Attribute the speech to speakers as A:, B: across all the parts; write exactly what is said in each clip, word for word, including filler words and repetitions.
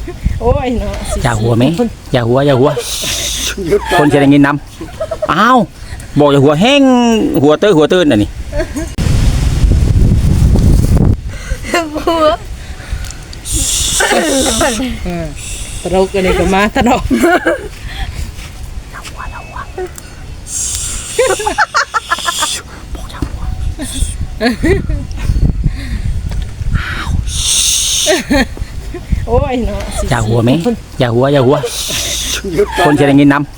A: โอ้ยเนาะ
B: อย่าหัวไหมอย่าหัวอย่าหัวคนจะได้ยินนำอ้าวบอกอย่าหัวแห้งหัวเต้ยหัวตื้นน่ะนี่
A: หัวตลกกันเลยก็มาตลกโอ้ยเนาะ
B: อย่าหัวไหมอย่าหัวอย่าหัวคนจะได้ยินนำ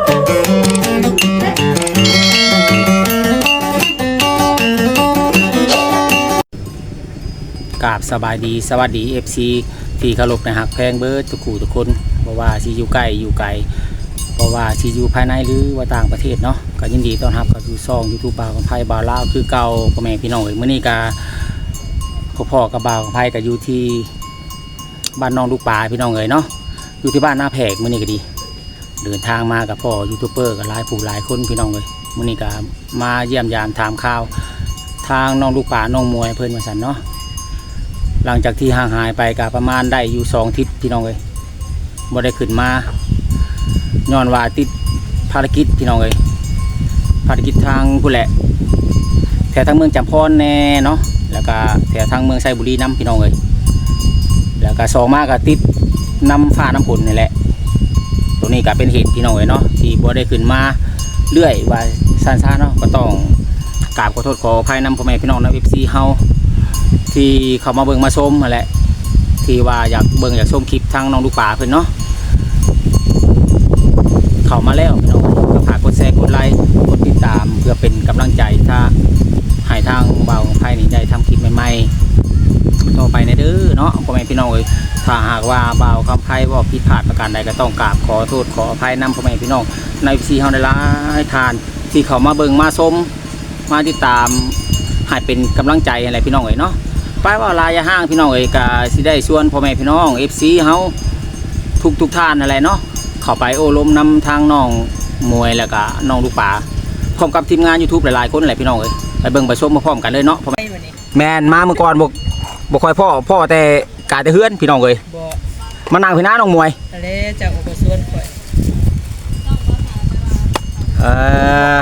B: กราบสบายดีสวัสดี เอฟ ซี ที่เคารพนะฮักแพงเบิร์ดทุกคู่ทุกคนเพราะว่าซีอยู่ใกล้อยู่ไกลเพราะว่าซีอยู่ภายในหรือว่าต่างประเทศเนาะก็ยินดีต้อนรับเข้าสู่ช่อง YouTube บ่าวของไผบ่าวลาวคือเก่าพ่อแม่พี่น้องเอ้ยมื้อนี้ก็พ่อๆกับบ่าวของไผก็อยู่ที่บ้านน้องลูกปลาพี่น้องเอ้ยเนาะอยู่ที่บ้านหน้าแพกมื้อนี้ก็ดีเดินทางมากับพ่อยูทูบเบอร์ก็หลายผู้หลายคนพี่น้องเอ้ยมื้อนี้ก็มาเยี่ยมยามถามข่าวทางน้องลูกปลาน้องมวยเพิ่นว่าซั่นเนาะหลังจากที่ห่างหายไปก็ประมาณได้อยู่สองอาทิตย์พี่น้องเอ้ยบ่ได้ขึ้นมาย้อนว่าติดภารกิจพี่น้องเอ้ยภารกิจทางผู้แหละแถวทางเมืองจำพรแน่เนาะแล้วก็แถวทางเมืองไซบุรีน้ำพี่น้องเอ้ยแล้วก็สองมาก็ติดน้ำฟ้าน้ำฝนนี่แหละตรงนี้ก็เป็นเหตุพี่น้องเอ้ยเนาะที่บ่ได้ขึ้นมาเรื่อยว่าซ่านๆเนาะก็ต้องกราบขอโทษขออภัยนำพ่อแม่พี่น้องนะ เอฟ ซี เฮาที่เขามาเบิ่งมาชมนั่นแหละที่ว่าอยากเบิ่งอยากชมคลิปทางน้องลูกป่าเพิ่นเนาะเข้ามาแล้วพี่น้องก็ฝากกดแชร์กดไลค์กดติดตามเพื่อเป็นกำลังใจถ้าให้ทางบ่าวของไผนี่ได้ทำคลิปใหม่ๆต่อไปในเด้อเนาะพ่อแม่พี่น้องเอ้ยถ้าหากว่าบ่าวคำไผว่าผิดพลาดประการใดก็ต้องกราบขอโทษขออภัยนำพ่อแม่พี่น้องใน เอฟ ซี เฮาได้หลายทานที่เขามาเบิ่งมาชมมาติดตามให้เป็นกำลังใจอะไรพี่น้องเอ้ยเนาะป้ายว่าลายห้างพี่น้องเอ้ยก็สิได้ชวนพ่อแม่พี่น้อง เอฟ ซี เฮาทุกทุกท่านอะไรเนาะเข้าไปโอ้ล้มนำทางน้องมวยแล้วก็น้องลูกป่าพร้อมกับทีมงาน YouTube หลายๆคนอะไรพี่น้องเอ้ยไปเบิ่งไปชมมาพร้อมกันเลยเนาะแมนมาเมื่อก่อนบ่บ่ค่อยพ่อพ่อแต่กาแต่เฮือนพี่น้องเอ้ยมานั่งพี่น้าน้องมวย
A: อะไรจากอุปสวนข่อย
B: เออ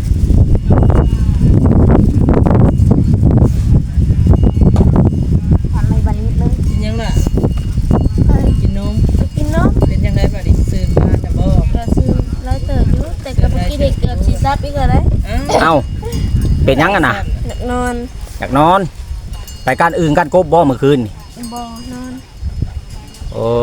A: ยังล่ะกินนม
C: กินนม
A: เป็นยังไงบ้างดิซื้อมาแต่บ่
C: ก็ซื้อร้อยเติบอยู่แต่กับเมื่อกี้เด็กเกือบสิซับอีกแล้ว
B: เอ้าเป็นยังกันน่ะ
C: อยากนอน
B: อยากนอนไปการอื่นกันกบบ่เมื่อคืน
C: บ่นอน
B: โอ้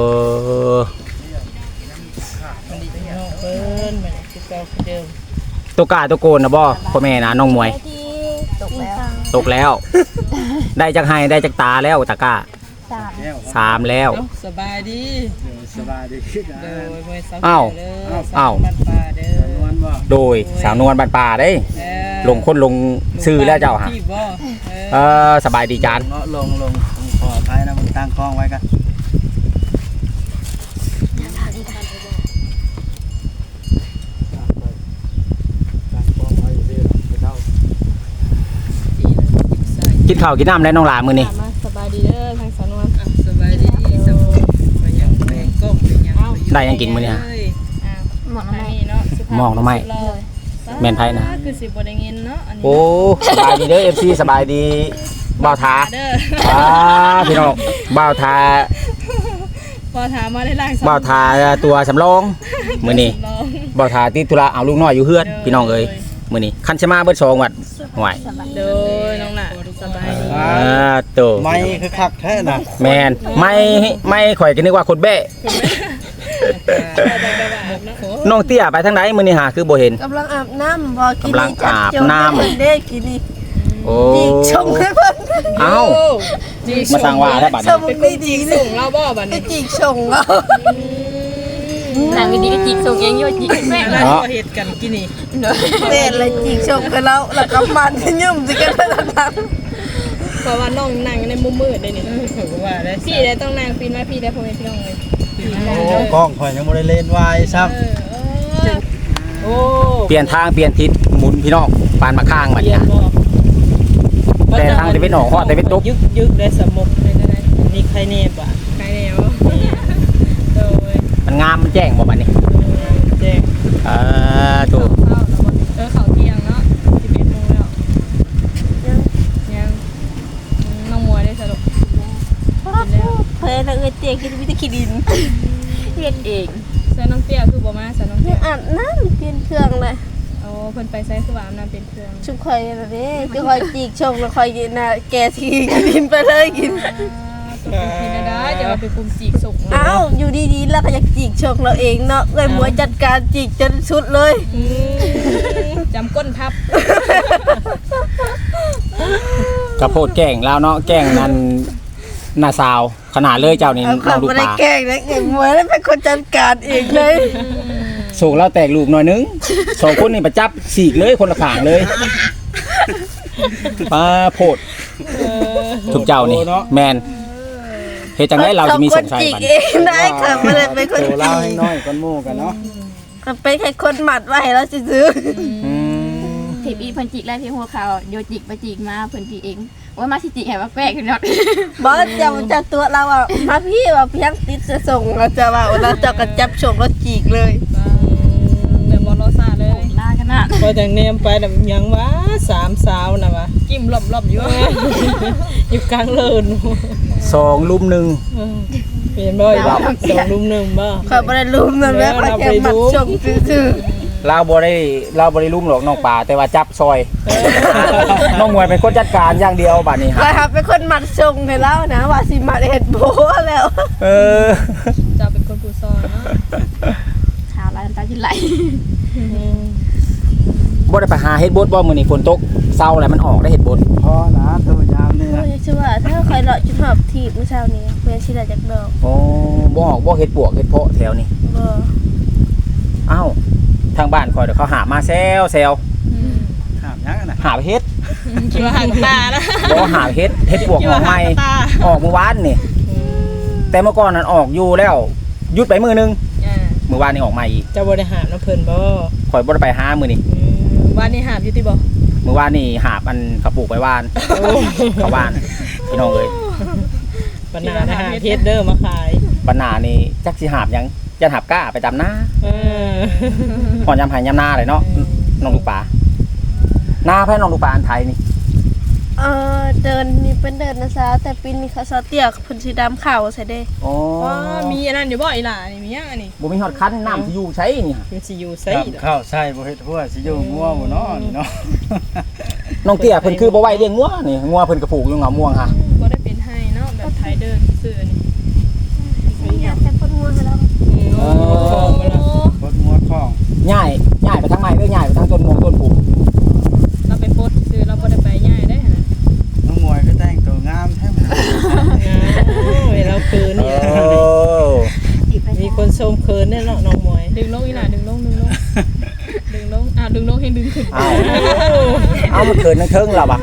A: มันดีจังเนาะเพิ่นมันคือเก่าคือเดิม
B: ตัวกาตัวโกนนะบ่พ่อแม่นะน้องมวย
C: ตกแล้ว
B: ตกแล้วได้จากไห้ได้จากตาแล้วตะกร้า
C: สาม
B: สามแล้ว
A: สบายดี
D: สบายดี
A: โดยมวยสาว
B: อ้าวอ้าวโดยสาวนวลบ้านป่าได้ลงคนลงชื่อแล้วเจ้าฮะเออสบายดีจาน
D: ลงลงขออภัยนะมันตั้งคล้องไว้กัน
B: กินข้าวกินน้ำแล้วน้องหลามือนี่
C: สบายดีเด้อทางสาวนวล
A: สบายดีสมไปยังแมงก้มไปยัง
B: ได้ยังกินมือนี่ฮะ
C: หมอกน้ำไม้เนาะ
B: หมอกน้ำไม้แมนไพ่นะ
A: คือสิบ่ได้เงินเนาะ
B: โอ้สบายดีเด้อ เอฟ ซี สบายดีบ่าวทาอ่าพี่น้องบ่าวทา
A: บ่าวทามาได้ล่าง
B: บ่าวทาตัวสำรองมือนี่บ่าวทาติดธุระเอาลูกน้อยอยู่เฮือนพี่น้องเอ้ยมือนี่คันชะมาเบิดสองวัดห่วย
A: โดยน้องน่ะสบายดี
B: อ่าตัว
D: ไม่คือคักแท้น่ะ
B: แมนไม่ไม่ข่อยก็นึกว่าคนเบ้น้องเตี้ยไปทางไหนมื้อนี้หาคือบ่เห็น
C: กำลังอาบน้ำบ่
B: กินกำลังอาบน้ำ
C: เด้กินนี่
B: โอ้
C: จิกชงให้เพิ่น
B: เอ้ามาสั่งว่าได้บัดนี้
C: เป็นดีๆ
A: ส่งเราบ่บัดนี้
C: จิกชงเนาะ
E: นางดีก็จิกส่งเองอยู่จิกแม่
A: เนาะเฮ็ดกันกินนี่
C: เต้นเลยจิกชงกันแล้วแล้วก็มันยุ่มสิกันทั้งนั้น
A: เพราะว่าน้องนั่งในมุมมืดได้นี่ถือว่าได้พี่ได้ต้องนั่งปีนมาพี่ได้พ่อแม่พี่น้องเลย
D: โอ้กล้องข่อยยังบ่ได้เล่นไว้ซ้ำ
A: โอ้
B: เปลี่ยนทางเปลี่ยนทิศหมุนพี่น้องปานมาข้างบัดนี้แต่ทางตะวันออกฮอดตะวันตก
A: ยึกยึกได้สมมุติได้ได้นี่ใครแน่บ่ใครแน่บ่โดย
B: แจ้งบ่บัดนี้
A: แจ้ง
B: อ่าโต
A: เข้าแล้วบ่เออเข้าเที่ยงเนาะสิบเอ็ดโมงแล้วยังน้องมวยได้สรุป
C: เพิ่นน่ะเอ้ยเตียกินมีแต่ขี้ดิน
E: เฮ็ดเอง
A: ใส่น้องเตี้ยคือบ่มาใส่น้อง
C: เพิ่
A: เตี้
C: น
A: ย
C: อาบน้ำเปลี่ยนเครื่องเลย
A: โอ้เพิ่นไปใส่คือว่าอาบน้ำเป็นเครื่อง
C: ชุบข่อยน่ะเด้คือข่อยจีกชงแล้วข่อยกินน่ะแกสิกินดินไปเลยกิน
A: ตัวกินได้เดี๋ยวเอาไปคุมจีกส่ง
C: เอ้าอยู่ดีๆแล้วก็อยากจีกชงเราเองเนาะเอ้ยหมวยจัดการจีกจนสุดเลย
A: จำก้นทับ
B: กระโพดแกล้งแล้วเนาะแกล้งนั่นหน้าสาวขนาดเลยเจ้านี่
C: เอา
B: น้
C: เขา
B: องลูก
C: ไม่
B: ป
C: ได้
B: ลา
C: แกล้งนะเอ้ยหมวยแล้วเป็นคนจัดการเองเลย
B: สูงแล้วแตกลูกหน่อยนึงสองคนนี่ประจับสีกเลยคนละข้างเลยปลาโพดทุกเจ้านี่แมนเฮ็ดจังได๋เราจะมีสงสัย
C: จีก
B: บัด
C: เองได้ค่ะไม่ได้เป็นคน
D: โต
C: จี
D: เล่าก ให้น้อยก้อนหมู่กันเนาะ
C: มันเป็นแค่คนหมัดไว้ให้เราซื้อ
B: อืม
E: ทีอีเพิ่นจิกแล้วที่หัวเขาโยจิกไปจิกมาเพิ่นจิกเองว่ามาสิจิกให้ว่าแปลกขึ้นเนาะ
C: บอสจะจะตัวเราอ่ะมาพี่ว่าเพียงติดจะส่งเราจะว่าเราจะกระจับชมเราจีกเลย
A: แบบบอลโลซาเลย
E: ลาขนาด
F: พอจากเนมไปน่ะยังว่าสามสาวน่ะวะ
A: กิ้มหล่อมๆอยู่
F: อยู่กลางเลิน
B: สองลุมหนึ่ง
F: เปลี่ยนบ่อยบ่สองลุมหนึ่งบ่
C: ขอยบริลุมนั่นแหละขอยแค่หมัดชมซื่อ
B: เราบ่ได้เราบ่ได้ลุมหรอกน้องปลาแต่ว่าจับซอยน้องมวยเป็นคนจัดการอย่างเดียวบัดนี้
C: ๆขอยครับเป็นคนหมัดชงให้เรานะว่าสิหมัดเห็ดโบแล้ว
B: เออ
A: จะเป็นคนผู้ซอยเนาะ
E: ขาวลายน้ำตาจิไหล
B: บ่ได้ไปหาเฮ็ดบดบ่มื้อนี้ฝนตกเช้าแล้วมันออกได้เฮ็ดบด
D: พอนะตัวยามนี่
C: โอ้
D: นะ
C: ยชื่อว่าถ้าคอยเลาะจุดหอบทีบเมื่อเช้านี้เพื่อนชิลาจากดอก
B: โอ้บ่ออกบ่เฮ็ดปวกเฮ็ดเพาะแถวนี้
C: บ่
B: อ้าวทางบ้านคอยเดี๋ยวเขาหามาแซวแซว
D: ถามยังนะ
B: หาไปเฮ็ด
A: คิดว่าห่างตานะ
B: บ่หาไปเฮ็ดเฮ็ดปวกออกใหม่ออกเมื่อวานนี่แต่เมื่อก่อนนั้นออกอยู่แล้วหยุดไปมื้อนึง
A: อ่า
B: มื้อวานนี่ออกใหม่อีก
F: เจ้าบ่ได้หาน้ำเพิ่นบ่
B: ข่อยบ่ได้ไปหามื้อนี้
A: วันนี้หาบอยู่ที่บ่
B: มื้อวานนี่หาบอันกระปุกไปวานเขาวานพี่น้องเอ้ย
F: ปานนานะฮะเฮ็ดเด้อมาขาย
B: ปัญหานี่จักสิหาบหยังจะหาบก้าไปตามหน้า
F: เออ
B: หอนยำไห้ยำหน้าเลยเนาะน้องลูกปลาหน้าแพ้น้องลูกปลาอันไทยนี่
C: เออเดินนี่เป็นเดินนะซะแต่ปีนี้เขาซอเตียกเพิ่นสีดำขาวใส่เด้
B: อ๋อ
A: อ๋อมีอันนั้นอยู่บ่อีหล่านี่มียังอันนี้
B: บ่มีฮอดคันน้ำสิอยู่ใช้นี่ฮะ
F: มันสิอยู่ไส
D: ครับข้าวใส่บ่เฮ็ดหัวสิอยู่งัวบ่เนาะนี่เนาะ
B: น้องเตี้ยเพิ่นคือบ่ไหวเลี้ยงงัวนี่งัวเพิ่นกระปลูกอยู่เหงาม่วงค่ะ
A: บ่ได้เป็นให้เนาะแบบไทยเดินซื่อนี่
C: นี่อยากแต่คนงัวให้เรา
B: เออ
F: มาแล้ว
D: บดงัวข้อง
B: ง่ายง่ายไปทางไหนเด้อง่ายไปทางต้นมงต้นผู
A: เราไปโพสซื่อเราบ่ได้ไปง่ายได้นะ
D: น้องมวยก็แต่งตัวงามแท้
F: งานเวลาคืน
B: โอ้
F: นี่มีคนชมเคินแน่เนาะน้องมวย
A: ดึงลงอีหล่าดึงลงดึงลงดึงลงอ่าดึงลงให้ดึงขึ้น
B: เอาเอามันเกินนั่งเทิงเราบ่ะ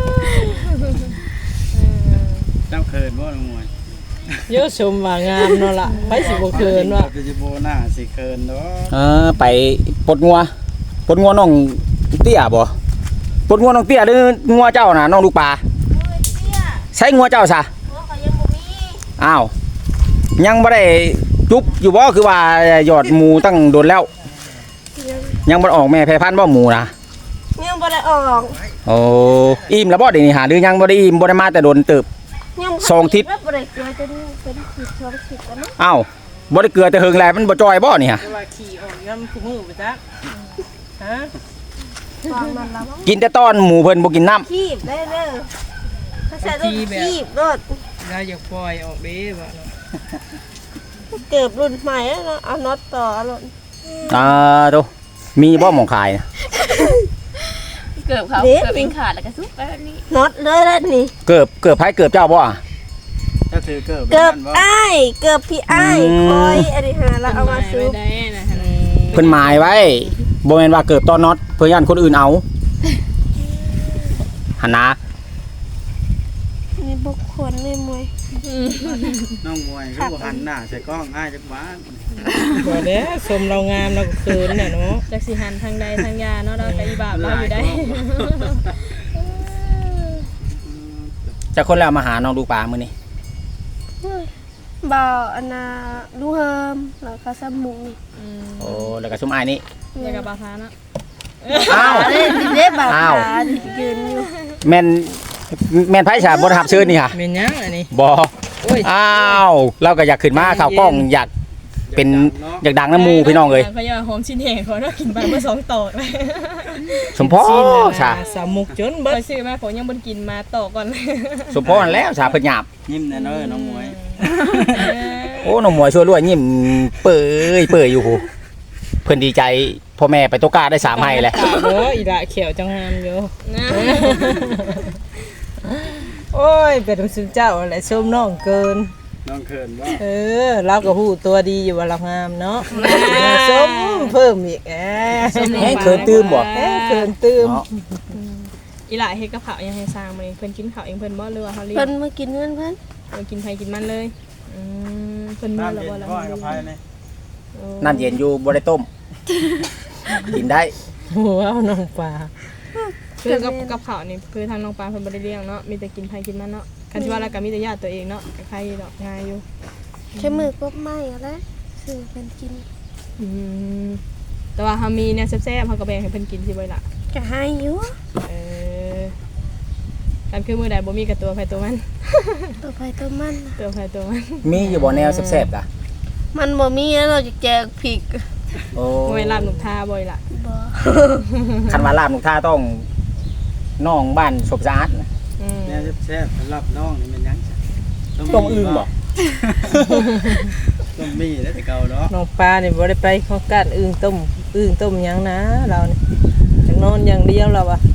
D: เจ้าเคินบ่น้องมวย
F: เยอะชมว่างามเนาะล่ะไปสิบ่เคินว่า
D: ก็สิบ่น่าสิเคินเนาะ
B: เออไปปลดงัวปลดงัวน้องเตี้ยบ่ปลดงัวน้องเตี้ยหรืองัวเจ้าน่ะน้องลูกปลาใช้งัวเจ้าซะอ้าวยังบ่ได้จุบอยู่บ่คือว่าหยอดหมูตั้งโดนแล้ว ยังบ่ออกแม่แพร่พันธุ์บ่หมูนะ
C: ยังบ่ได้ออก
B: โอ้อิ่มแล้วบ่เดี๋ยวนี้หาหรือยังบ่ได้อิ่มบ่ได้มาแต่โดนเติบ
C: ยัง
B: สองทิศ
C: บ่ได้เกลือจนเป็นทิศสองทิศแล้วเนาะ
B: อ้าวบ่ได้เกลือแต่เฮิงแลมันบ่จอยบ่นี่ฮะ
F: ว่าขี่ออกยามคู่มือไปจักฮะ
C: วางมันแล้ว
B: กินแต่ตอนหมูเพิ่นบ่กินน้ำ
C: คีบได้เด้อถ้าใส่ต้องคีบรถ
F: เราอยากปล่อยออกเด้บ่เนาะ
C: เกิบรุ่นใหม่แล้วเนาะเอาน็อตต่อเอารถ
B: อ่าโตมีบ่หม่องขายนะ
E: เกือบเขาเกือบเองขาดแล้วก็ซุกไปแบบนี้
C: น็อตเลยแล้วนี่
B: เกือบเกือบไผเกือบเจ้าบ่อะ
D: เจ้าถือเกิบ
C: เกิบ
D: บ่
C: อ้ายเกิบพี่อ้ายคอยอันนี้หาแล้วเอามาซื้อ
A: ได้นะฮะ
B: เพิ่นหมายไว้บ่แม่นว่าเกือบตอนน็อตเพื่อย่านคนอื่นเอาหั่นนะ
C: นี่บุคคลเลยมวย
D: น้องมวยคือบ่หันหน้าใส่กล้องอ้ายจักบ้าน
F: บ่เด้ชมเรางามเราก็เคินน่ะเนาะ
A: จักสิหันทางใดทางยาเนาะเราก็อีบาปเราอยู่ได้
B: จะคนแล้วมาหาน้องดูปลามื้อนี้
C: บ่าวอันนาดูเฮิมแล้วก็าสมุง
A: อืม
B: โอ้แล้วก็ซุมอ้ายนี่
A: แล้วก็บาทาเนาะ
B: อ้าว
C: เล่นเล่นแบบ
B: อ้าว
C: ขายืนอยู่
B: แม่นแม่นไผฉาบ่ได้รับเชิญนี่ค่ะ
F: เป็นหยังอันนี้
B: บ่
F: โอ้ย
B: อ้าวเราก็อยากขึ้นมาข่าวกล้องอยากเป็นอยากดังน้ำหมู่พี่น้องเอ้ย
A: เขาอยากหอมชิ้นแห้งเขาเนาะกินไปเมื่อสองต่อเลย
B: สมพร
F: ซีนน่ะ
B: ชา
F: สามมุกจนเบิด
A: ไปซื้อมาผมยังบ่กินมาต่อก่อนเลย
B: สมพรแล้วชาเพิ่นหยาบ
D: ยิ้มแน่เนอนน้องมวย
B: โอ้น้องหมวยช่วยรวยยิ้มเปื่อยเปื่อยอยู่หูเพิ่นดีใจพ่อแม่ไปตกกาได้สามให้แหละ
F: เด้ออีละเขียวจังงามอยู่
A: นะ
F: โอ้ยเป็นสุดเจ้าอะไรส้มน้องเกิน
D: น้องเขินว่า
F: เออเราก็ฮู้ตัวดีอยู่ว่าเรางามเนาะส้มเพิ่มอีกแหม
B: แห้งเขินตื้มบ่
F: แหมเกินตื้ม
B: เนาะ
A: อีหล่าเฮ็ดกับข้าวยังให้สร้างมื้อนี้เพิ่นกินข้าวเองเพิ่นบ่หรือว่าเฮาเลี้ย
C: เพิ่
A: ง
C: นมากินเพื่อนเพื่อน
A: เพิ่นกินไผกินมันเลยอืมเพิ่นมื้อ
D: น้ำ
A: ละ
D: เย็น
A: บ่ละ
D: พ่อกับไพ่เนี่ย
B: น้ำเย็นอยู่บ่ได้ต้ม กินได้
F: ว้าวน้องปลา
A: คือกับกับข้าวนี่คือทางน้องปลาเพิ่นบ่ได้เลี้ยงเนาะมีแต่กินไผกินมันเนาะคันที่ว่าแล้วก็มีแต่ญาติตัวเองเนาะก็ใครดอกง่ายอยู่
C: ใช้มือกบไม้อะไรซื้อเพิ่นกิน
A: อืมแต่ว่าเฮามีเนี่ยแซ่บๆเฮาก็แบ่งให้เพิ่นกินสิบ่ล่ะ
C: ก็ให้อยู่
A: เออกันคือมื้อใดบ่มีกับตัวไผตัวมัน
C: ตัวไปตัวมันน่ะ
A: ตัวไผตัวมัน
B: มีอยู่บ่แนวแซ่บๆกะ
C: มันบ่มีแล้วเราจะแจกพริก
B: โอ้
A: บ่แม่นลาบหนุกทาบ่อยล่ะ
C: บ่
B: คันว่าลาบหนุกท่าต้องน้องบ้านศพสะอาดน่ะ
A: อืม
D: แน่แซ่บๆสำหรับน้องนี่มันยังจ้ะ
B: ต้องอึ้งบ่
D: ต้องมีแล้วแต่เก่าเนาะ
F: น้องปลานี่บ่ได้ไปของการอึ่งต้มอึ่งต้มหยังนะเรานี่จังนอนอย่างเดียวเราอะ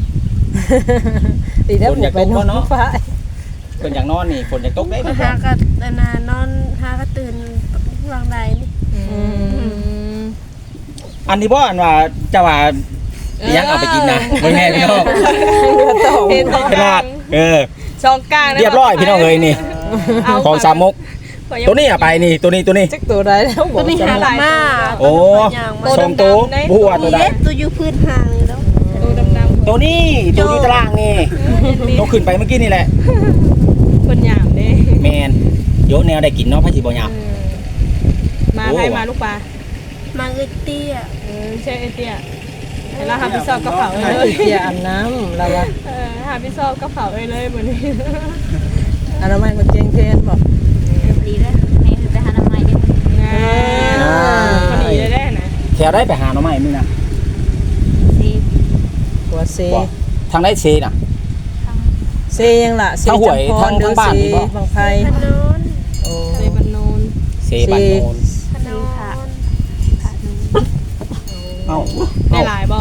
F: ดีแล้วผมไปนอนฟ้า
B: เพิ่นอยากนอนนี่ฝนอยากตกได้
C: มา
B: เพิ่น
C: หาก็นานๆนอนหาก็ตื่นวางใดนี่
A: อืม
B: อันนี้บ่อันว่าเจ้าว่าอิหยังเอาไปกินนะบ่แม่พี่น้อง
A: เห็นของ
B: ข
A: ก
B: นา
A: ลา
B: ด
A: ง
B: เออ
A: สองกลางนะ
B: เรียบร้อยพี่น้องเอ้ยนี่
A: เอา
B: ของสามมก
A: ขอยัง
B: ตัวนี้อะไปนี่ตัวนี้ตัวนี้
F: จักตัวได้แล้วบ
C: ตั
F: อ
C: ว
F: ก
C: นี้
F: จะ
C: หา
F: มา
C: ละมา
B: โอ้
C: ย่าง
B: สองตัวบัวตัวใด
C: เล็ดตัวอยู่พื้นห่างนี่แล้ว
A: ตัวดำๆ
B: ตัวนี้ตัวอยู่ตารางนี่ตัวขึ้นไปเมื่อกี้นี่แหละ
A: คนหยามเด้
B: แมนโยแนวได้กินเนาะพระจิบหยาบ
A: เออมาให้มาลูกปลา
C: มาเอ้ยเตี้ย
A: เออใช่ไอเตี้ยเวลาหาพี่ซอบกระเป๋า
F: เอ
A: เล
F: อย เสียอาบน้ำเราอะ
A: เออหาพี่ซอบกระเป๋าเลยเลยเหมือนนี้
F: อนามัยมันเจงเทนบอก
E: ดีแล้วให้ไปหาน้ำใหม่ดิ
A: นะพอดีเลยได้นะ
B: แถวได้ไปหาหน่อไม้มึงนะ
E: ซี
F: หัวเซ
B: บอกทางได้เซน่ะ
E: ทั้ง
F: เซยังล่ะเซ
B: ทางหวย
F: จำพร
B: ทางทางบ้านนี่
F: เซ
B: บ่
F: บางไพ
C: พนน
F: โอ้
A: เซบันโนน
B: เซบันโนน
C: พนน
E: ขาดหนึ่ง
B: เอ้า
A: ได้หลายบ่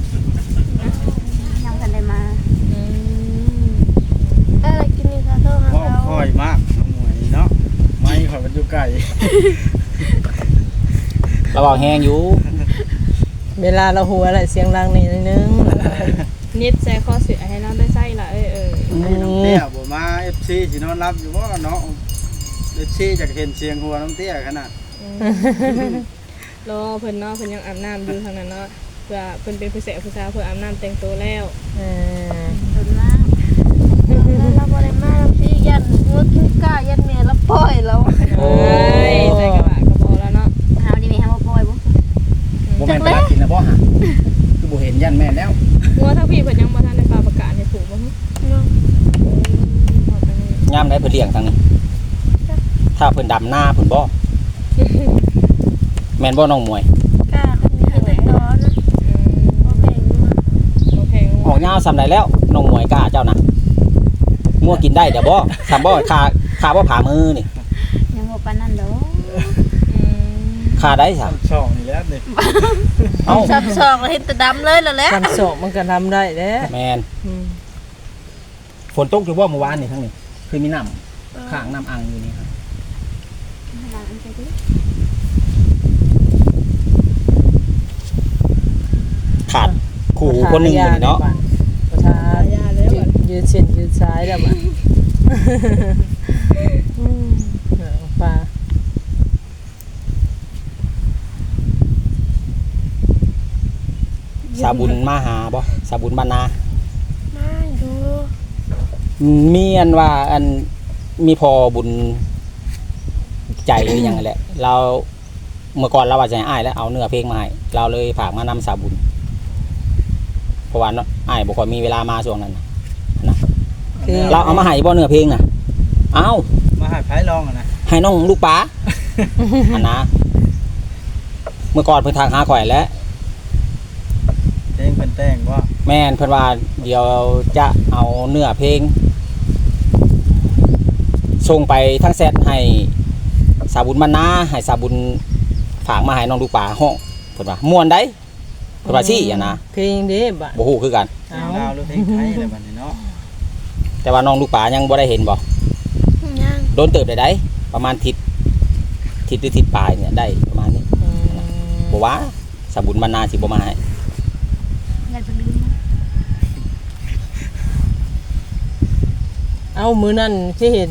E: ยังกันได้มา
A: อืม
C: อะไรกินนี่ค่ะโทษหา
D: พ่อ
C: เขา
D: คอยมากน้องมวยเนาะไม่ขอยมันอยู่ไกล
B: เราบอกแห้งอยู่
F: เวลาเราหัวอะไรเสียงดังนิดนึง
A: นิดแซ่ข้อเสียให้น้องได้ไส้ละเออเออ
D: นี่น้องเตี้ยบ่มา เอฟ ซี สินอนรับอยู่บ่เนาะ เอฟ ซี จากเห็นเสียงหัวน้องเตี้ยขนาด
A: รอเพิ่นเนาะเพิ่นยังอาบน้ำอยู่ทางนั้นเนาะเพื่อเพิ่นเป็นผู้เสพผู้สาวเพื่ออาบน้ำแต่งตัวแล้ว
F: เออ
E: โดนมาก
C: เราบ่ได้มาเราสิยันงัวกิ้งก้ายันแม่ละปล่อยแล้ว
A: เอ้ยใส่กระบะกระบอกแล้วเนาะ
E: เฮาดีมีให้มาปล่อยบ่
B: บ่แม่นไปรักกินนะบ่ฮะคือบ่เห็นยันแม่นแล้ว
A: งัวทั้งพี่เพิ่นยังบ่ทันได้ฟ้าประกาศให้ถูกบ่ฮึบอกไปเลย
B: ยามได้เพิ่นเลี้ยงทางนี้ ถ้าเพิ่นดำหน้าเพิ่นบ่แม่นบ่น้องมวย
C: ก้าคนนี้แต่ตอนนะ
A: อืม
C: บ่แพงงัว
A: โอเค
B: ออกยาวซำใดแล้วน้องมวยกล้าเจ้านะงัวกินได้เดี๋ยวบ่ซำบ่ขาขาบ่ผ่ามือนี่
E: ยังบ่ปานนั้นดอก
A: อืม
B: ขาได้ซะ
D: ช่องนี่แหล้วนี่
B: เอ้า
C: ซับซอกแล้วเห็นแต่ดำเลยแล้วแหละ
F: กันโศกมันก็ทำได้แหล้ว
B: แม่น ฝนตกอยู่บ่เมื่อวานนี่ทั้งนี้คือมีน้ำข้างน้ำอังอยู่นี่ครับ
E: หลังอันไปดิ
B: ขาดขู่คนหนึงอยู่นี่เนาะ
F: ประชายืดเส้นยืดซ้ายแล้วบ่อืมเออปลา
B: สาบุญมาหาบ่สาบุญบ้านนา
C: มาดู
B: มีอันว่าอันมีพอบุญใจหรือหยังนั่นแหละ เราเมื่อก่อนเราว่าจะให้อ้ายแล้วเอาเนื้อเพลงมาให้เราเลยฝากมานำสาบุญเพราะว่าเนาะอ้ายบ่ค่อยมีเวลามาช่วงนั้นน่ะนะ
F: คือ
B: เราเอามาให้บ่เนื้อเพลงน่ะเอา
D: มาหาไผลองอะนะ
B: ให้น้องลูกป๋า อันนะเมื่อก่อนเพิ่นทางหาข่อยแล้ว
D: เพลงเพิ่นแต่งว่า
B: แม่นเพิ่นว่าเดี๋ยวจะเอาเนื้อเพลงส่งไปทั้งแซดให้สาบุญบรรณาให้สาบุญฝากมาให้น้องลูกป๋าห้องเพิ่นว่าม่วนได้เพิ่นว่าซี่อ่ะนะ
F: เพลงเด้บ่ะ
B: บ่ฮู้คือกัน
D: เพลงลาวหรือเพลงไทยอะไรบัดนี้เนาะ
B: แต่ว่าน้องลูกป๋ายังบ่ได้เห็นบ่
C: ยัง
B: โดนเติบได้ได้ประมาณทิศทิศหรือทิศปลายเนี่ยได้ประมาณนี้
F: อืม
B: บ่ว่าสาบุญบรรณาสิบ่มาให้
E: อยากจะลืม
F: เอามื้อนั้นที่เห็น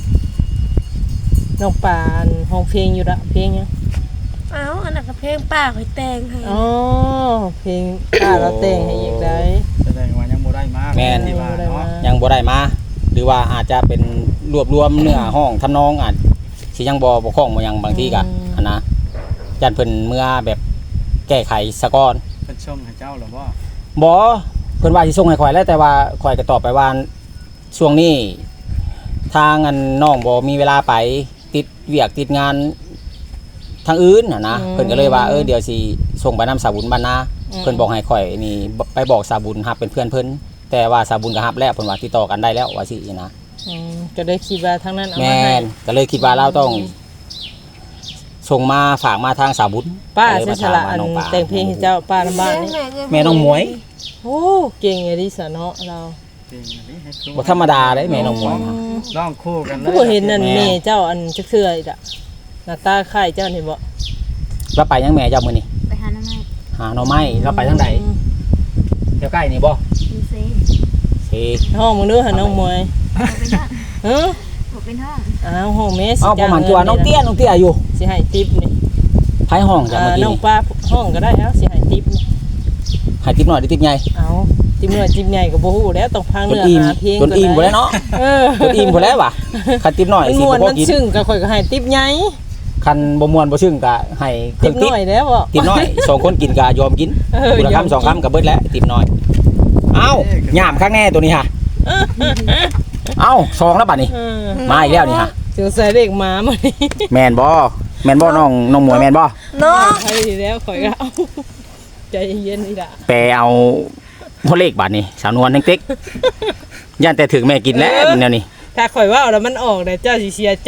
F: น้องปานห้องเพลงอยู่ละเพลงหยัง
C: เอ้าอันนั้นก็เพลงป้าข่อยแต่งให้
F: อ๋อเพลงป้าเราแต่งให้อีกได้
D: แสดงว่ายังบ่ได้มาที่ว่าเนาะ
B: ยังบ่ได้มาหรือว่าอาจจะเป็นรวบรวมเนื้อห้องทำนองอาจสิยังบ่บ่คล่องบ่หยังบางทีก็อันนะยันเพิ่นเมื่อแบบแก้ไขซะก่อน
D: เพิ่นส่งให้เจ้าหรือบ่
B: บ่เพิ่นว่าสิส่งให้ข่อยแล้วแต่ว่าข่อยก็ตอบไปว่าช่วงนี้ทางอันน้องบ่มีเวลาไปติดเวียกติดงานทางอื่นน่ะนะเพิ่นก็เลยว่าเออเดี๋ยวสิส่งไปนำสาบุญบรรณาเพิ่นบอกให้ข่อยนี่ไปบอกสาบุญรับเป็นเพื่อนเพิ่นแต่ว่าสาบุญก็รับแล้วเพิ่นว่าติดต่อกันได้แล้วว่าสินะ
F: อืมก็ได้คิดว่าทางนั้นเอา
B: แม
F: มาให้
B: นก็เลยคิดว่าเราต้องส่งมาฝากมาทางสาบุญ
F: ป้า
B: ก็เลย
F: ใช้
B: มา
F: ฉ
B: ถาม
F: ลา
B: ว่า
F: อัน
B: น้องปลา
F: แต่งเพลงให้เจ้าป้าน้ำบ้านนี่
B: แม่น้องหมวย
F: โอ้เก่งอย่างนี้สะเนาะเรา
D: เพลงอันนี้ให้ครู
B: บ่ธรรมดาเลยแม่น้องหมวยนะ
D: ร้องคู่กันเลย
F: ผู้เห็นนั่นแม่เจ้าอันจักเทื่ออีกอะหน้าตาคล้ายเจ้านี่บ่
B: เราไปยังแม่เจ้ามื้อนี้
E: ไปหาน้ำไม้
B: หาหน่อไม้เราไปทางใดแถวใกล้นี่บ่
E: ดูเซ่
B: สิ
F: ห้องมึงดูหาน้องมวย
E: ผมเป็นห้อง
F: ฮะ
E: ผมเป็นห้อง
F: อ้าวห้องแม่สิ
B: เอ้าประมาณตัวน้องเตี้ยน้องเตี้ยอยู่
F: สิให้ติ๊บนี่
B: ไผห้องจ้ะ
F: อ่า
B: เมื่อกี้
F: น้องป้าห้องก็ได้เอ้าสิให้ติ๊บนี่
B: ให้ติ๊บน้อยหรือติ๊บใหญ่
F: เอาติ๊บน้อยติ๊บใหญ่ก็บ่ฮู้แล้วต้องพัง
B: จน
F: เนื้อ
B: อิ่ม
F: หาเพลง
B: จนอิ่มบ่แล้วเนาะ
F: เออ
B: จนอิ่มบ่แล้วว่ะคันติ๊บน้อย
F: มัน
B: สิ
F: ม่วน
B: บ่พอ
F: มัน
B: กิน
F: ซึ้งก็ค่อยก็ให้ติ๊บใหญ่
B: คันบ่ม่วนบ่ซึ้งก็ให้เครื่
F: ติ๊
B: อบ งติ๊บ
F: น้อยแล้วบ่
B: ติ๊บน้อยสองคนกินก็ยอมกิน
F: เออ
B: คนละ
F: ยอม
B: คำสอง
F: กิน
B: คำก็เบิดแล้วติ๊บน้อยเอ้าหยามข้างแน่ตัวนี้ฮะเอ้าซองแล้วบัดนี้
F: เออ
B: มาอีกแล้วนี่ฮะ
F: สงสัยเด็กหมามานี่
B: แมนบ่แมนบ่น้องน้องหมวยแมนบ่
C: น้อง
F: ไปแล้วข่อยก็เอาใจเย็นอีกละ
B: แปลเอาพ่อเลขบาดนี้สาวนวลเต็กๆย่านแต่ถึงแม่กินแล้วแนวนี้
F: ถ้าข่อยว่าเอาแล้วมันออกเนี่ยเจ้าสิเสียใจ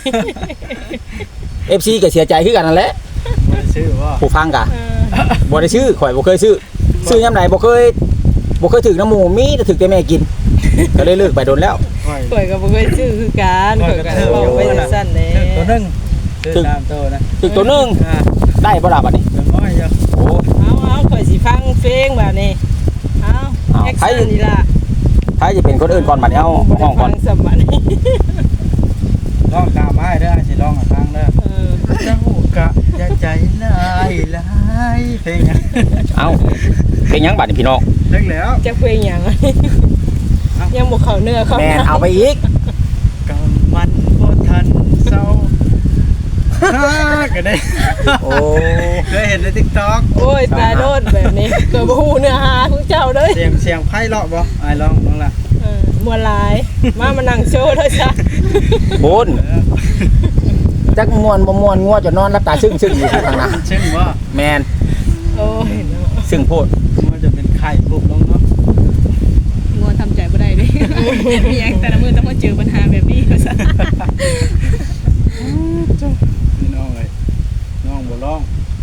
B: เอฟ ซี ก็เสียใจคือกันนั่นแหละ
D: บ่ได้ชื่อว่า
B: ผู้ฟังก็บ่ได้ชื่อข่อยบ่เคยซื้อซื้อยามใดบ่เคยบ่เคยถึงน้ำหมูมีแต่ถึงแต่แม่กิน ก็เลยเลิกไปโดนแล้ว
D: ค่อย
F: ข่อยก็บ่เคยซื้อคือกันข่อยก็บอกไปสั้นๆแหล้
D: ตัวหนึงชื่อตามตัวนะ
B: ถึงตัวหนึง
D: อ่า
B: ได้บ่ล่ะบัดนี้
D: ตัวน้อยอยู่
B: โอ้
F: เอาเอาข่อยสิฟังเพลงแบบนี้เอา
B: เอา
F: แอค
B: ใคร
F: ชั่นนี่ล่ะ
B: ถ้าจะเป็นคนอื่นก่อนบัดนี้เอาห้องก่อน
F: บ่ได้ฟัสมบัติ
D: ร้องตามให้เด้อสิร้องให้ฟังเด้อ
F: เออ
D: เจ้ากะอย่าใจลายลายเพลงหยัง
B: เอาเป็นหยังบัดนี้พี่น้อง
D: เลิกแล้ว
F: จะเพลงหยังอะยังบ่เข้าเนื้อเข้า
B: แม่นเอาไปอีก
D: กำมันบ่ทันเศร้าฮ่าก็ได้
B: โอ้
D: เคยเห็นใน TikTok
F: โอ้ยตายโดนแบบนี้ก็บ่ฮู้เนื้อหาของเจ้าเด้ย
D: เสียงเสียงไพ่เลาะบ่อ้ายลองลองล่ะ
F: เออมวนหลายมามานั่งโชว์เด้อจ้ะ
B: บุญจักม่วนบ่ม่วนงัวจะนอนรับตาซึ้งๆอยู่ข้างหน้า
D: เช่นว่า
B: แมน
F: โอ้ยเนาะ
B: ซึ่งโพด
D: มันจะเป็นไข่ปุ๊บลงเนาะ
A: งัวทำใจบ่ได้เด้ มีหยังแต่ละมื้อต้องมาเจอปัญหาแบบนี้ว่าซั่น
D: พี่น้องเอ้ยน้องบ่ร้อง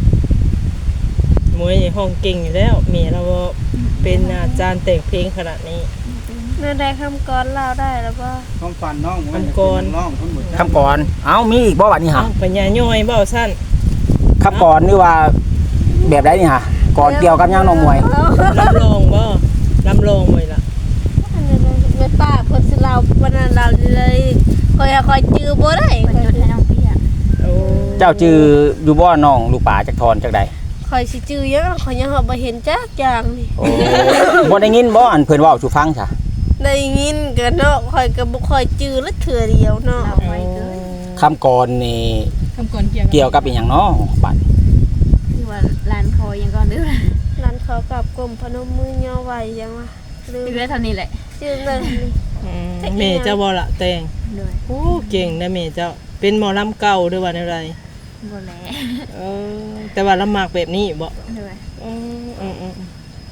F: มวยห้องเก่งอยู่แล้วเมียเราบ่เป็นอาจารย์แต่งเพลงขนาดนี้
C: เมื่อได้คำกรเล่าได้แล้วบ่
D: ความฝันน้องมัน
F: คำก่อน
D: ร้องคนบ่จั
B: คำก่อนเอ้ามีอีกบ่บัดนี้ฮะ
F: เอ้าปัญญาย่อยเบ้าสั้น
B: คำก่อนนี่ว่าแบบใดนี่ฮะก่อนเกี่ยวกับหยังน้องมวย
F: ลำลองบ่ลำลองบ่ล่ะ
C: อันนั้นไม่ป้าเพิ่นสิเล่าวันนั้นเราเลยคอยคอยจื้อบ่ได้
E: คนจดให้น้องพี่อ่ะ
F: โอ้
B: เจ้าจืออยู่บ่น้องลูกป่าจักทอนจักใด
C: คอยสิจื้อยังคอยยังบ่เห็นจักอย่างนี่
B: โอ้ บ่ได้ยินบ่อันเพิ่นเว้าสู่ฟังซะ
C: ได้ยินก็เนาะคอยก็บ่ค่อยจื้อละเทื่อเดียวเนาะ
E: เราไว้เกิน
B: คำก่อนนี่
C: ค
A: ำก่อนเกี่ยว
B: เกี่ยวกับอีหยังเนาะบัด
E: คือว่าร้านคอยังก่อนเด้อ
C: ร้านเขากับกลมพนมมือย่อไหวยังวะลืม
E: คือได้เท่านี้แหละ
C: ชื่อเลย
F: อืมแม่เจ้าบ่ละแต่ง
E: ด้วย
F: โอ้เก่งนะแม่เจ้าเป็นหมอลำเก่าหรือว่าอะไร
E: บ่แล
F: เออแต่ว่าลำมากแบบนี้บ่
E: ด้วย
F: อืมอืมอืม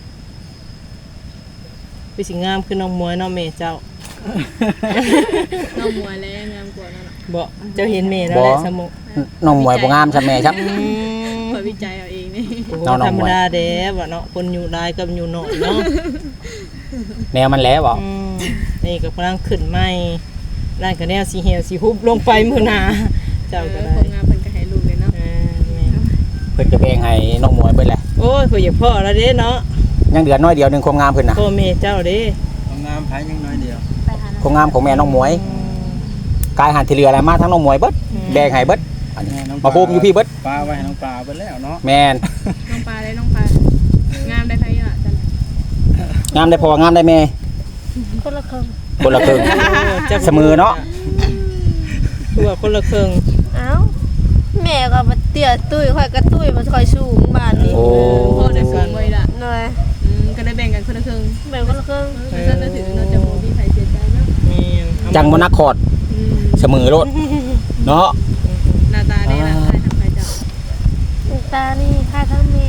F: ไปสิงามคือน้องมวยเนาะแม่เจ้า
A: น้องมวยแล้วงามกว่านั่นน่ะ
F: บ่เจ้าเห็นแม่แล้วแหละสมุ
B: น้องมวยบ่งามซะแม่ครับ
F: อืม
A: คอยวิจัยเอาเองนี่
F: โอ้โห
B: น้องน้อง
F: ธรรม
B: มวย
F: ดาเด้บ่เนาะคนอยู่หลายกับอยู่น้อยเนาะ
B: แนวมันแล้วบ่
F: อืมนี่ก็กำลังขึ้นใหม่ร้านก็แนวสีเหี่ยวสีฮุบลงไปมื้อหน้าเจ้าก็
A: เอ
F: ได้
A: อคนงามเพิ่นก็ให้ลูกเลยเนาะ
F: อ่าแม่
B: เพิ่นจะเพลงให้น้องมวยเบิดแหละ
F: โอ้ยข่อยอยากพ่อแล้วเด้เนาะ
B: ยังเดือนน้อยเดียวหนึงความงามเพิ่นน่ะ
F: พ่อแม่เจ้าเด้
D: ความงามไผยังน้อยเดียว
E: ไปหา
B: ความงามของแม่น้องมวยกายหันที่เหลืออะไรมาทั้งน้องมวยเบิดแบ่งให้เบิดอันนี้มาโฮมอยู่พี่เบิด
D: ปลาไว้ให้น้องปลาเบิดแล้วเนาะ
B: แม่น
A: น้องปลาเลยน้องปลางามได้ไผอ่ะจัน
B: งามได้พองามได้แม่
C: คนละครึ่ง
B: คนละครึ่ง
F: โอ้จัก
B: เสมอเนาะ
F: คือว่าคนละครึ่ง
C: เอ้าแม่ก็มาเตี้ยตุ้ยค่อยก็ตุ้ยมันค่อยสูงบ้านนี้
B: โอ้
A: พ่อได้สูงไว้ล่ะ
C: หน่อย
A: อืมก็ได้แบ่งกันคนละครึ่ง
C: แบ่งคนละครึ่ง
A: เออจะถือเราจะบ่มีไผเสียใจเนาะ
F: แม่น
B: จังบ่นักคอร์ด
A: อืม
B: เสมอโลดเนาะ
A: หน้าตาได้ล่ะใครทำใครจับ
C: ตานี่ค่าทั้งแม่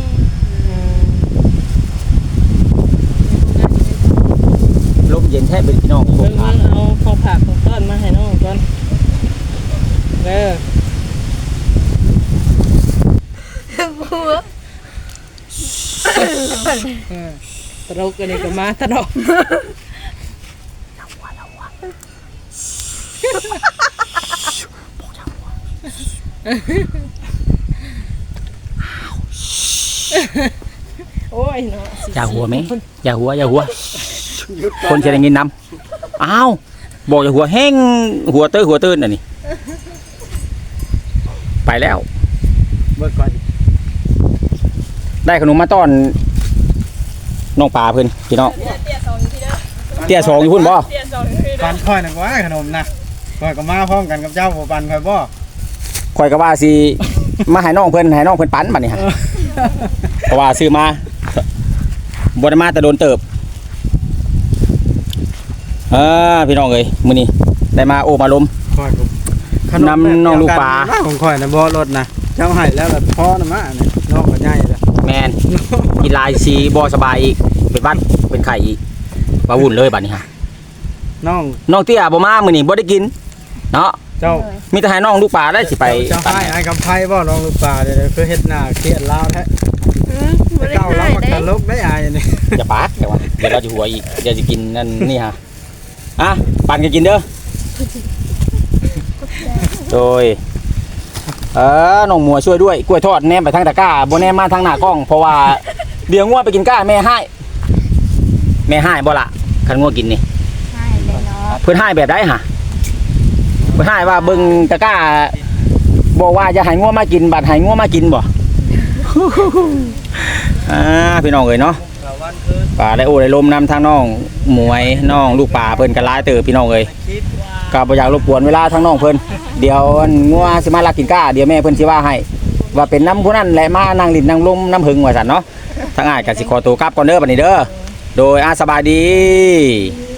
B: ลมเย็นแท้เป็นพี่น้อง
F: เบิ่งเบิ่งเอาของผักของต้นมาให้น้องก่อนเด้อ
C: บัว
F: ตลกอันนี้ก็มาตลกโอ้ยเนาะ
B: อย่าหัวไหมอย่าหัวอย่าหัว คนจะได้ยินนำอ้าวบอกอย่าหัวแห้งหัวเต้ยหัวตื้นอันนี้ไปแล้ว
D: เบิดก่อน
B: ได้ขนมมาต้อนน้องปลาเพิ่นพี่น้องเตี้ยสองอยู่พุ่นบ่
D: ปันค่อยน่ะว่าขนมนะค่อยก็มาพร้อมกันกับเจ้าบ่ปันค่อยบ่
B: ข่อยก็ว่าสิมาให้น้องเพิ่นให้น้องเพิ่นปั้นบัดนี้ฮะเพราะว่าซื้อมาบ่ได้มาแต่โดนเติบเออพี่น้องเอ้ยมื้อนี้ได้มาโอ้มาลม
D: ค่อยก็
B: นำน้องลูกปลา
D: ของค่อยน่ะบ่รถนะเจ้าให้แล้วล่ะพอน่ะมาเนี่ยน้องก็ใหญ่แล้ว
B: แมนกินลายสีบ่สบายอีกเป็นบ้านเป็นไข่อีกว่าวุ่นเลยบัดนี้ฮะ
D: น้อง
B: น้องเตี้ยบ่มามื้อนี้บ่ได้กินเนาะ
D: เจ้า
B: มีแต่ให้น้องลูกปลาได้สิไป
D: เจ้าให้ไอ้กำไพบ่น้องลูกปลาเดี๋ยวคือเฮ็ดหน้าเครียดลาวแท้
C: อืมบ่ได้
D: เจ้าเรา
C: ให้
D: บัก
C: ได้
D: ตลกได้อายนี่
B: อย่าปากเดี๋ยวว่าเดี๋ยวเราจะหัวอีกเดี๋ยวจะกินนั่นนี่ฮะอ่ะปั่นกันกินเด้อโดยเออน้องมัวช่วยด้วยกล้วยทอดแนมไปทางตะกร้าบ่แนมมาทางหน้ากล้องเพราะว่าเดี๋ยวงัวไปกินก้าแม่ให้แม่ให้บ่ล่ะคันงัวกินนี่
E: ใช่เลยเนาะ
B: เพิ่นให้แบบใดฮะเพิ่นให้ว่าเบิ่งตะกร้าบอกว่าจะให้งัวมากินบัดให้งัวมากินบ่ อ่าพี่น้องเอ้ยเนาะป่าได้โอ้ได้ลมนำทางน้องหมวยน้องลูกป่าเพิ่นก็หลายเติบพี่น้องเอ้ยก็บ่อยากรบกวนเวลาทางน้องเพิ่นเดี๋ยวอันงัวสิมาลักกินก้าเดี๋ยวแม่เพิ่นสิว่าให้ว่าเป็นน้ำผู้นั้นแหละมานั่งลิ้นนั่งลมน้ำหึงว่าซั่นเนาะทางอ้ายก็สิขอตัวกลับก่อนเด้อบัดนี้เด้อโดยอาสบายดี